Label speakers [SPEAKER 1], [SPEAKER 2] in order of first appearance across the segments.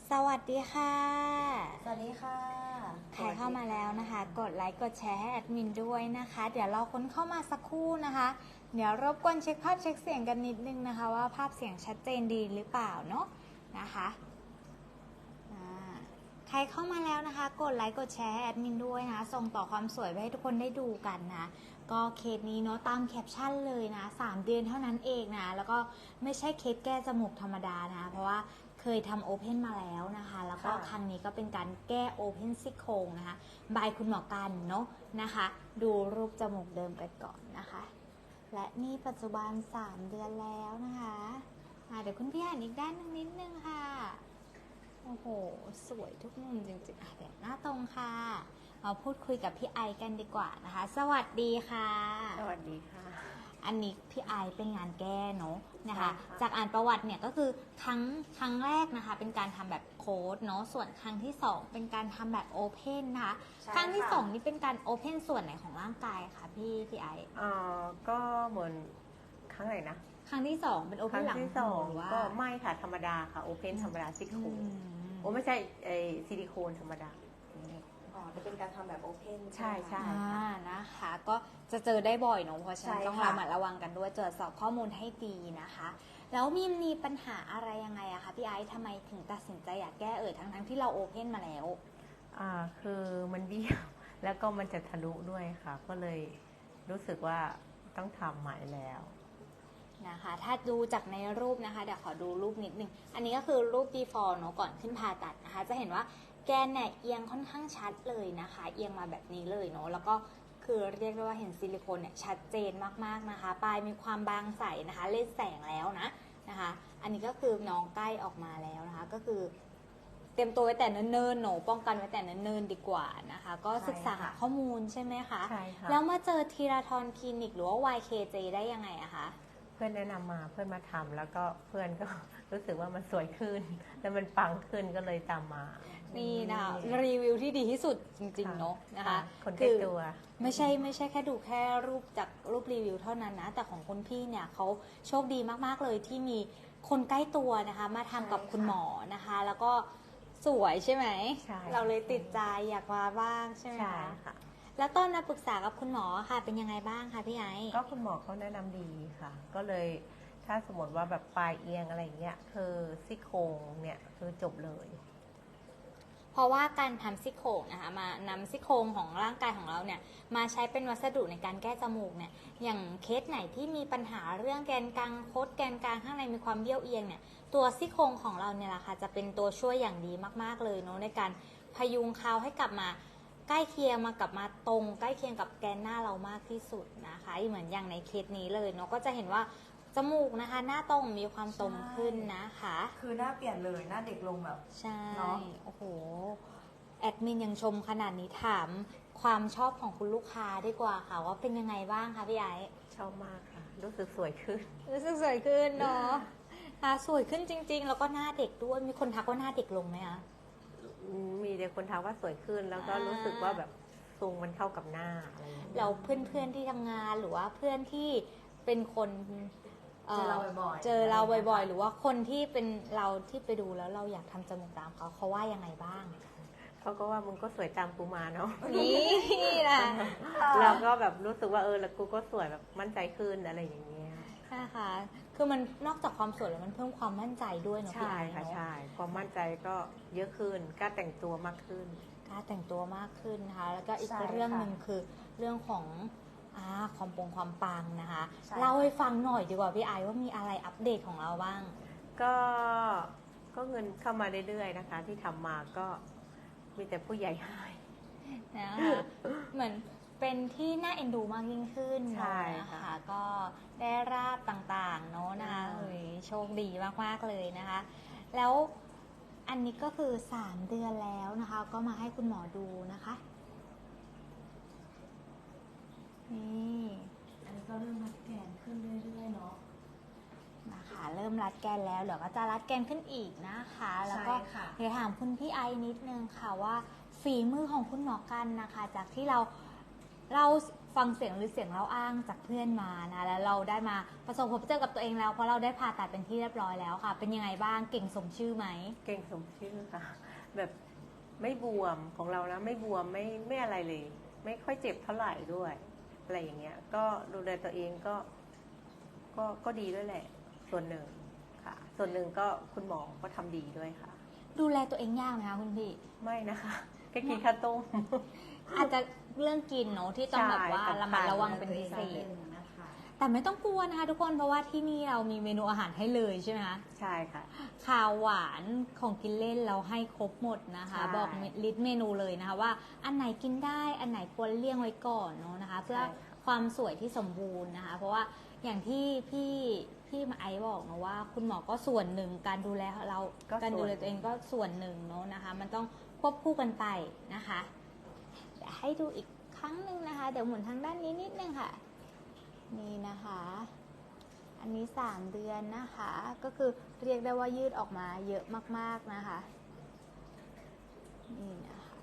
[SPEAKER 1] สวัสดีค่ะ
[SPEAKER 2] สวัสดีค่ะ
[SPEAKER 1] ใครเข้ามาแล้วนะคะ กดไลค์กดแชร์ให้แอดมินด้วยนะคะ เดี๋ยวเราค้นเข้ามาสักครู่นะคะ เดี๋ยวรบกวนเช็คภาพเช็คเสียงกันนิดนึงนะคะ ว่าภาพเสียงชัดเจนดีหรือเปล่าเนาะนะคะใครเข้ามาแล้วนะคะ กดไลค์กดแชร์ให้แอดมินด้วยนะส่งต่อความสวยไปให้ทุกคนได้ดูกันนะก็เคสนี้เนาะตามแคปชั่นเลยนะ3 เดือนเท่านั้นเองนะแล้วก็ไม่ใช่เคสแก้จมูกธรรมดานะเพราะว่าเคยทำโอเพนมาแล้วนะคะแล้วก็ครั้งนี้ก็เป็นการแก้โอเพนซี่โครงนะคะบายคุณหมอกันเนาะนะคะดูรูปจมูกเดิมกันก่อนนะคะและนี่ปัจจุบัน3 เดือนแล้วนะคะเดี๋ยวคุณพี่อ่านอีกด้านนึงนิดนึงค่ะโอ้โหสวยทุกมุมจริงๆเดี๋ยวหน้าตรงค่ะมาพูดคุยกับพี่ไอกันดีกว่านะคะสวัสดีค่ะ
[SPEAKER 2] สวัสดีค่ะ
[SPEAKER 1] อันนี้พี่ไอเป็นงานแก้เนาะนะคะจากอ่านประวัติเนี่ยก็คือครั้งแรกนะคะเป็นการทำแบบโค้ดเนาะส่วนครั้งที่2เป็นการทำแบบโอเพนนะคะครั้งที่2นี่เป็นการโอเพนส่วนไหนของร่างกายคะพี่ไอ
[SPEAKER 2] ก็เหมือนครั้งไหนนะ
[SPEAKER 1] ครั้งที่2เป็นโอเพนหลัง
[SPEAKER 2] หูหรือว่าก็ไม่ค่ะธรรมดาค่ะโอเพนธรรมดาซิลิโคนไม่ใช่ซิลิโคนธรรมดา
[SPEAKER 3] จะเป็นการทำแบบโอเพน
[SPEAKER 2] ใช่ใช่
[SPEAKER 1] นะคะก็จะเจอได้บ่อยเนาะเพราะฉะนั้นต้องระมัดระวังกันด้วยตรวจสอบข้อมูลให้ดีนะคะแล้วมีปัญหาอะไรยังไงอะคะพี่ไอซ์ทำไมถึงตัดสินใจอยากแก้ทั้งที่เราโอเพนมาแล้ว
[SPEAKER 2] คือมันเบี้ยวแล้วก็มันจะทะลุด้วยค่ะ ก็เลยรู้สึกว่าต้องทำใหม่แล้ว
[SPEAKER 1] นะคะถ้าดูจากในรูปนะคะเดี๋ยวขอดูรูปนิดนึงอันนี้ก็คือรูป before เนาะก่อนขึ้นผ่าตัดนะคะจะเห็นว่าแกนเนี่ยเอียงค่อนข้างชัดเลยนะคะเอียงมาแบบนี้เลยเนาะแล้วก็คือเรียกได้ว่าเห็นซิลิโคนเนี่ยชัดเจนมากๆนะคะปลายมีความบางใสนะคะเล่นแสงแล้วนะคะอันนี้ก็คือน้องใกล้ออกมาแล้วนะคะก็คือเตรียมตัวไว้แต่เนิ่นๆหนูป้องกันไว้แต่เนิ่นๆดีกว่านะคะก็ศึกษาหาข้อมูลใช่ไหมคะ
[SPEAKER 2] ใช่ค่ะ
[SPEAKER 1] แล้วมาเจอทีราทอนคลินิกหรือว่า YKJ ได้ยังไงอะคะ
[SPEAKER 2] เพื่อนแนะนำมาเพื่อนมาทำแล้วก็เพื่อนก็รู้สึกว่ามันสวยขึ้นแล้วมันปังขึ้นก็เลยตามมา
[SPEAKER 1] นี่นะคะรีวิวที่ดีที่สุดจริงๆเนาะนะคะ
[SPEAKER 2] คนใกล้ตัว
[SPEAKER 1] ไม่ใช่แค่ดูแค่รูปจากรูปรีวิวเท่านั้นนะแต่ของคุณพี่เนี่ยเขาโชคดีมากๆเลยที่มีคนใกล้ตัวนะคะมาทำกับคุณหมอนะคะแล้วก็สวยใช่ไหมเราเลยติดใจอยากมาบ้างใช่ไหมคะแล้วตอนมาปรึกษากับคุณหมอค่ะเป็นยังไงบ้างคะพี่ไอซ์
[SPEAKER 2] ก็คุณหมอเขาแนะนำดีค่ะก็เลยถ้าสมมติว่าแบบปลายเอียงอะไรเงี้ยคือซี่โครงเนี่ยคือจบเลย
[SPEAKER 1] เพราะว่าการทำซี่โครงนะคะมานำซี่โครงของร่างกายของเราเนี่ยมาใช้เป็นวัสดุในการแก้จมูกเนี่ยอย่างเคสไหนที่มีปัญหาเรื่องแกนกลางคดแกนกลางข้างในมีความเบี้ยวเอียงเนี่ยตัวซี่โครงของเราเนี่ยแหละค่ะจะเป็นตัวช่วยอย่างดีมากๆเลยเนาะในการพยุงเขาให้กลับมาใกล้เคียงกลับมาตรงใกล้เคียงกับแกนหน้าเรามากที่สุดนะคะเหมือนอย่างในเคสนี้เลยเนาะก็จะเห็นว่าจมูกนะคะหน้าตรงมีความตรงขึ้นนะคะ
[SPEAKER 3] คือหน้าเปลี่ยนเลยหน้าเด็กลงแบบ
[SPEAKER 1] ใช่โอ้โหแอดมินยังชมขนาดนี้ถามความชอบของคุณลูกค้าดีกว่าค่ะว่าเป็นยังไงบ้างคะพี่ไอซ์
[SPEAKER 2] ชอบมากค่ะรู้สึกสวยขึ้น
[SPEAKER 1] เนาะสวยขึ้นจริงๆแล้วก็หน้าเด็กด้วยมีคนทักว่าหน้าเด็กลงไหมคะ
[SPEAKER 2] มีแต่คนทักว่าสวยขึ้นแล้วก็รู้สึกว่าแบบทรงมันเข้ากับหน้าอะไรอย่างเงี้ย
[SPEAKER 1] เราเพื่อนๆที่ทำงานหรือว่าเพื่อนที่เป็นคน
[SPEAKER 3] เจอเราบ่อย
[SPEAKER 1] ๆหรือว่าคนที่เป็นเราที่ไปดูแล้วเราอยากทำจมูกตามเขาว่ายังไงบ้าง
[SPEAKER 2] เขาก็ว่ามึงก็สวยตามกูมาเนาะ
[SPEAKER 1] นี่นะ
[SPEAKER 2] เราก็แบบรู้สึกว่าแล้วกูก็สวยแบบมั่นใจขึ้นอะไรอย่างเงี้ย
[SPEAKER 1] นะคะคือมันนอกจากความสวยแล้วมันเพิ่มความมั่นใจด้วยเนาะพี่ไอซ์
[SPEAKER 2] ค่ะใช่ความมั่นใจก็เยอะขึ้นกล้าแต่งตัวมากขึ้น
[SPEAKER 1] นะคะแล้วก็อีกเรื่องหนึ่งคือเรื่องของความปังนะคะเล่าให้ฟังหน่อยดีกว่าพี่ไอซ์ว่ามีอะไรอัปเดตของเราบ้าง
[SPEAKER 2] ก็เงินเข้ามาเรื่อยๆนะคะที่ทำมาก็มีแต่ผู้ใหญ่ให้
[SPEAKER 1] นะคะเหมือนเป็นที่น่าเอ็นดูมากยิ่งขึ้นนะคะก็ได้ราบต่างๆเนาะนะคะโชคดีมากๆเลยนะคะแล้วอันนี้ก็คือ3 เดือนแล้วนะคะก็มาให้คุณหมอดูนะคะนี่
[SPEAKER 3] อันนี้ก็เริ่มรัดแกนขึ้นเรื่อยๆเนาะ
[SPEAKER 1] นะคะเริ่มรัดแกนแล้วเดี๋ยวก็จะรัดแกนขึ้นอีกนะคะแล้วก็เดี๋ยวถามคุณพี่ไอนิดนึงค่ะว่าฝีมือของคุณหมอกันนะคะจากที่เราฟังเสียงหรือเสียงเล่าอ้างจากเพื่อนมานะแล้วเราได้มาประสบพบเจอกับตัวเองแล้วเพราะเราได้ผ่าตัดเป็นที่เรียบร้อยแล้วค่ะ เป็นยังไงบ้างเก่งสมชื่อไหม
[SPEAKER 2] เก่งสมชื่อค่ะ แบบไม่บวมของเรานะไม่บวมไม่อะไรเลย ไม่ค่อยเจ็บเท่าไหร่ด้วยอะไรอย่างเงี้ยก็ดูแลตัวเองก็ดีด้วยแหละ ส่วนหนึ่งค่ะ ส่วนหนึ่งก็คุณหมอก็ทำดีด้วยค่ะ
[SPEAKER 1] ดูแลตัวเองยากไหมคะคุณพี่
[SPEAKER 2] ไม่นะคะแค่กินข้าวต้ม
[SPEAKER 1] อาจจะเรื่องกินเนาะที่ต้องแบบว่า
[SPEAKER 2] ใช่
[SPEAKER 1] ระมัดระวังเป็นพิเศษ
[SPEAKER 3] นะคะ
[SPEAKER 1] แต่ไม่ต้องกลัวนะคะทุกคนเพราะว่าที่นี่เรามีเมนูอาหารให้เลยใช่ไหมคะ
[SPEAKER 2] ใช่ค่ะ
[SPEAKER 1] ข้าวหวานของกินเล่นเราให้ครบหมดนะคะ
[SPEAKER 2] ใช่
[SPEAKER 1] บอกลิสต์เมนูเลยนะคะว่าอันไหนกินได้อันไหนควรเลี่ยงไว้ก่อนเนาะนะคะ เพื่อความสวยที่สมบูรณ์นะคะ เพราะว่าอย่างที่พี่มาไอซ์บอกนะว่า คุณหมอก็ส่วนหนึ่งการดูแลเราการดูแลตัวเองก็ส่วนหนึ่งเนาะนะคะ มันต้องควบคู่กันไปนะคะเดี๋ยวให้ดูอีกครั้งหนึ่งนะคะ เดี๋ยวหมุนทางด้านนี้นิดนึงค่ะ นี่นะคะ อันนี้3เดือนนะคะ ก็คือเรียกได้ว่ายืดออกมาเยอะมากๆนะคะ นี่นะคะ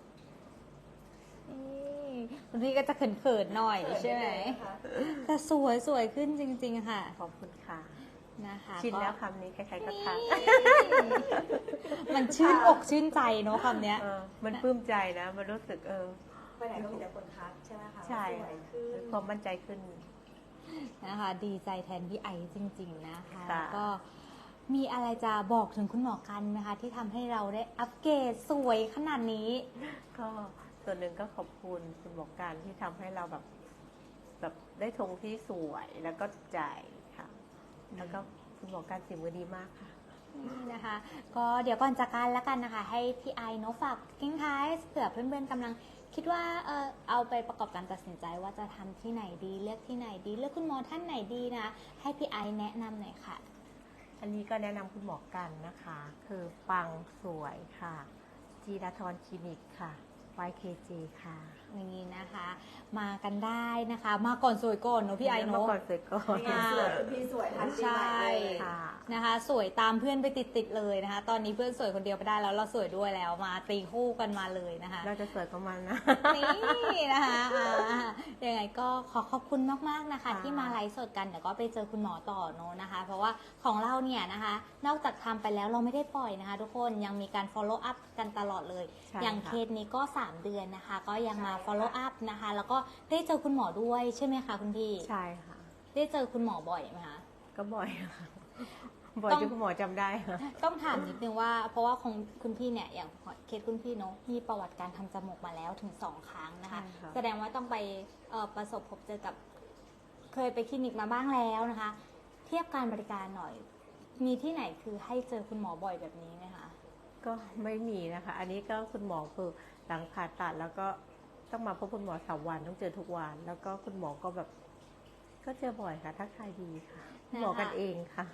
[SPEAKER 1] นี่คุณพี่ก็จะเขินๆหน่อยใช่ไหมแต่สวยขึ้นจริงๆค่ะ
[SPEAKER 2] ขอบคุณค่ะ
[SPEAKER 1] นะคะ
[SPEAKER 2] ชินแล้ว
[SPEAKER 1] ก็
[SPEAKER 2] คำนี้ใครๆก็ทัก
[SPEAKER 1] มันชื่นอกชื่นใจเนาะคำเนี้ย
[SPEAKER 2] มันปลื้มใจนะ มันรู้สึก
[SPEAKER 3] ไปไหนก็มีแต่คนทักใช่ไหมคะ
[SPEAKER 2] ใช่
[SPEAKER 3] สวยขึ้น
[SPEAKER 2] ความมั่นใจขึ้น
[SPEAKER 1] นะคะดีใจแทนพี่ไอซ์จริงๆนะคะ
[SPEAKER 2] ค่ะ
[SPEAKER 1] ก็มีอะไรจะบอกถึงคุณหมอกันไหมคะที่ทำให้เราได้อัปเกรดสวยขนาดนี้
[SPEAKER 2] ก็ส่วนหนึ่งก็ขอบคุณคุณหมอการที่ทำให้เราแบบได้ทงที่สวยแล้วก็ใจค่ะ แล้วก็คุณหมอการฝีมือดีมากค่ะ
[SPEAKER 1] นี่นะคะ ก็เดี๋ยวก่อนจากกันแล้วกันนะคะ ให้พี่ไอซ์เนาะฝากทิ้งท้ายเผื่อเพื่อนๆกำลังคิดว่าเอาไปประกอบการตัดสินใจว่าจะทำที่ไหนดีเลือกที่ไหนดี เลือกคุณหมอท่านไหนดีนะให้พี่ไอซ์แนะนำหน่อยค่ะ
[SPEAKER 2] อันนี้ก็แนะนำคุณหมอกันนะคะ คือปังสวยค่ะ จีราธรคลินิกค่ะ YKJ ค่ะ
[SPEAKER 1] นี่นะคะ มากันได้นะคะ มาก่อนสวยก่อนเนาะพี่ไอซ์
[SPEAKER 2] เมื่
[SPEAKER 1] เนาะ
[SPEAKER 2] อก่อนสวยก่อน
[SPEAKER 3] นี่ไงสวยคุณพี่สวยทันที
[SPEAKER 1] ใช่
[SPEAKER 3] เลย
[SPEAKER 2] ค่ะ
[SPEAKER 1] นะคะ สวยตามเพื่อนไปติดๆเลยนะคะ ตอนนี้เพื่อนสวยคนเดียวไปได้แล้วเราสวยด้วยแล้วมาตีคู่กันมาเลยนะคะ
[SPEAKER 2] เราจะสวยกับมันนะ
[SPEAKER 1] นี่นะคะยังไงก็ขอขอบคุณมากๆนะคะ
[SPEAKER 2] ค่ะ
[SPEAKER 1] ที่มาไลฟ์สดกันเดี๋ยวก็ไปเจอคุณหมอต่อเนอะนะคะ เพราะว่าของเราเนี่ยนะคะ นอกจากทำไปแล้วเราไม่ได้ปล่อยนะคะ ทุกคนยังมีการ follow up กันตลอดเลย
[SPEAKER 2] ใช่
[SPEAKER 1] อย่าง
[SPEAKER 2] ค่ะ
[SPEAKER 1] เคสนี้ก็3เดือนนะคะ ก็ยังมา follow up นะคะ แล้วก็ได้เจอคุณหมอด้วยใช่ไหมคะคุณพี่
[SPEAKER 2] ใช่ค่ะ
[SPEAKER 1] ได้เจอคุณหมอบ่อยไหมคะ
[SPEAKER 2] ก็บ่อยค่ะบ่อยจนคุณหมอจำได้ค่ะ
[SPEAKER 1] ต้องถามนิดนึงว่าเพราะว่าของคุณพี่เนี่ยอย่างเคสคุณพี่เนาะมีประวัติการทำจมูกมาแล้วถึง2 ครั้งนะคะ
[SPEAKER 2] ใช่ค่ะ
[SPEAKER 1] แสดงว่าต้องไปประสบพบเจอกับเคยไปคลินิกมาบ้างแล้วนะคะ เทียบการบริการหน่อย มีที่ไหนคือให้เจอคุณหมอบ่อยแบบนี้ไหมคะ
[SPEAKER 2] ก็ไม่มีนะคะ อันนี้ก็คุณหมอคือหลังผ่าตัดแล้วก็ต้องมาพบคุณหมอ3 วันต้องเจอทุกวัน แล้วก็คุณหมอก็แบบก็เจอบ่อยค่ะทักทายดีค่ะคุณหมอกันเองค่ะ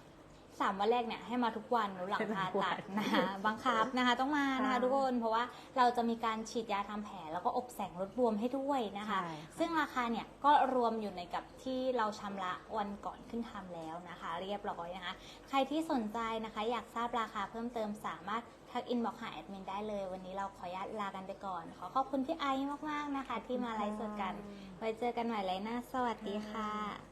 [SPEAKER 1] 3 วันแรกเนี่ยให้มาทุกวันหรือหลังผ่าตัด
[SPEAKER 2] ทุกวัน
[SPEAKER 1] นะคะบังคับนะคะต้องมานะคะ
[SPEAKER 2] ค่ะ
[SPEAKER 1] ทุกคนเพราะว่าเราจะมีการฉีดยาทำแผลแล้วก็อบแสงลดบวมให้ด้วยนะคะ
[SPEAKER 2] ใช่ค่ะ
[SPEAKER 1] ซึ่งราคาเนี่ยก็รวมอยู่ในกับที่เราชำระวันก่อนขึ้นทำแล้วนะคะ เรียบร้อยนะคะ ใครที่สนใจนะคะอยากทราบราคาเพิ่มเติมสามารถทักอินบอกหาแอดมินได้เลย วันนี้เราขออนุญาตลากันไปก่อน ขอขอบคุณพี่ไอซ์มากๆนะคะ ที่มาไลฟ์สดกัน ไว้เจอกันใหม่ไลฟ์หน้าสวัสดีค่ะ